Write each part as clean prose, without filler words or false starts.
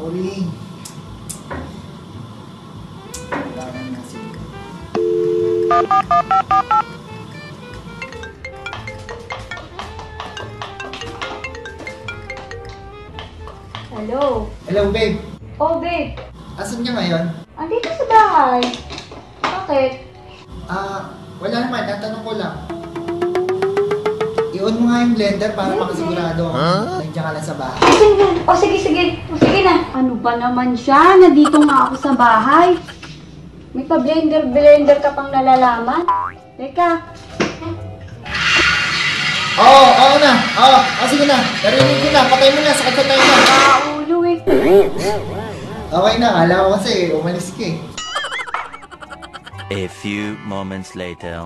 Uring. Kailangan na sila. Hello? Hello, babe. Oh, babe. Asan ka ngayon? Andito sa bahay. Bakit? Wala naman. Natanong ko lang. I-on mo nga yung blender para makasigurado nandiyan ka lang sa bahay. Sige na. Ano ba naman siya? Nandito nga ako sa bahay. May pa-blender ka pang nalalaman. Teka. Oo na. Sige na. Narinig ko na. Patay mo na. Sakit tayo na. Ulo eh. Okay na. Alam ko kasi umalis ka eh. A few moments later.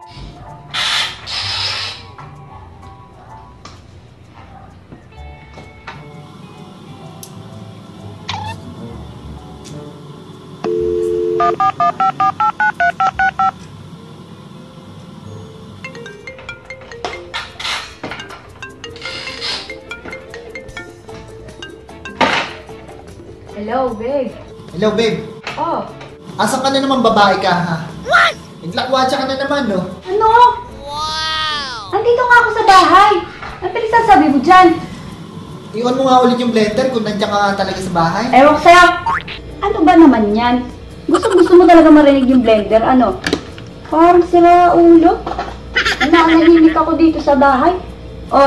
Hello, babe. Hello, babe. Oh. Asan ka na naman babae ka, ha? What? Naglakwatsa ka na naman, no? Ano? Wow! Andito nga ako sa bahay. Ano pinagsasabi mo dyan? I-on mo nga ulit yung blender kung nandiyan ka talaga sa bahay. Ewan ko sa'yo. Ano ba naman yan? Gusto mo talaga marinig yung blender, ano? Parang sira ulo. Nanahimik ako dito sa bahay. Oh.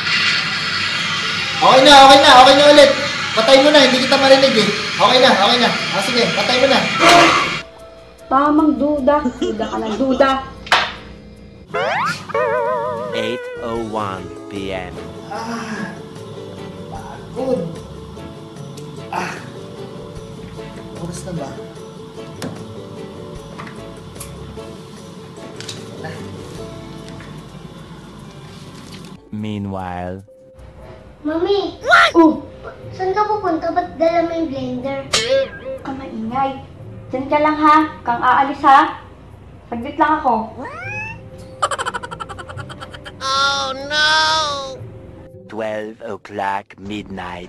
Okay na ulit. Patay mo na, hindi kita marinig eh. Okay na. Sige, patay mo na. Tamang duda. Duda ka ng duda. 8:01 p.m. Pagod. Oras na ba? Meanwhile. Mami! Oh, Saan ka pupunta? Ba't dala mo yung blender? ka maingay. Diyan ka lang ha. Kang aalis ha. Saglit lang ako. 12 o'clock midnight.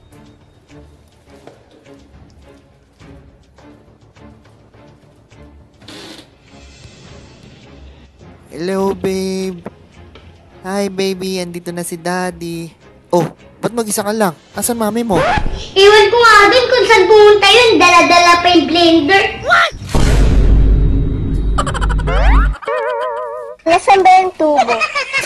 Hello, babe. Hi, baby. Andito na si daddy. Oh, ba't mag-isa ka lang? Asan mami mo? Iwan ko nga din kung saan pumunta yun. Dala-dala pa yung blender. What? Nasaan ba yung tubo?